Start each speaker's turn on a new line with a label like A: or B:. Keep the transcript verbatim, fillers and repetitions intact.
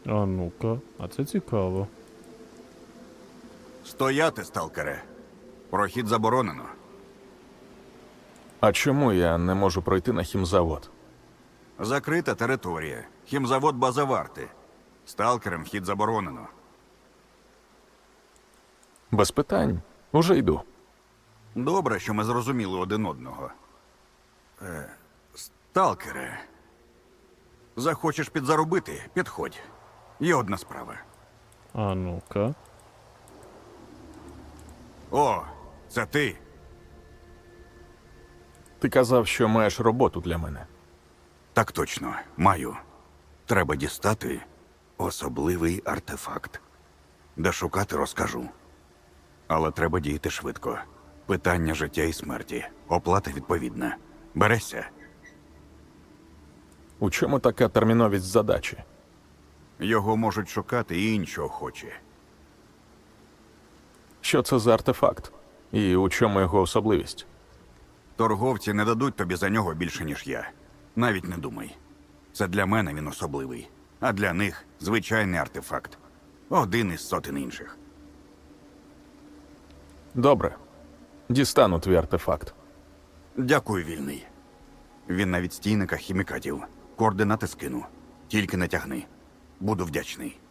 A: А ну-ка, а це цікаво.
B: Стояти, сталкере. Прохід заборонено.
C: А чому я не можу пройти на хімзавод?
B: Закрита територія. Хімзавод база варти. Сталкерам вхід заборонено.
C: Без питань. Уже йду.
B: Добре, що ми зрозуміли один одного. Е, сталкере. Захочеш підзаробити? Підходь. Є одна справа.
A: А ну-ка.
B: О, це ти.
C: Ти казав, що маєш роботу для мене.
B: Так точно, маю. Треба дістати особливий артефакт. Де шукати, розкажу. Але треба діяти швидко. Питання життя і смерті. Оплата відповідна. Берешся?
C: У чому така терміновість задачі?
B: Його можуть шукати і інші охочі.
C: Що це за артефакт? І у чому його особливість?
B: Торговці не дадуть тобі за нього більше, ніж я. Навіть не думай. Це для мене він особливий. А для них звичайний артефакт. Один із сотень інших.
C: Добре. Дістану твій артефакт.
B: Дякую, вільний. Він на відстійниках хімікатів. Координати скину. Тільки не тягни. Буду вдячний.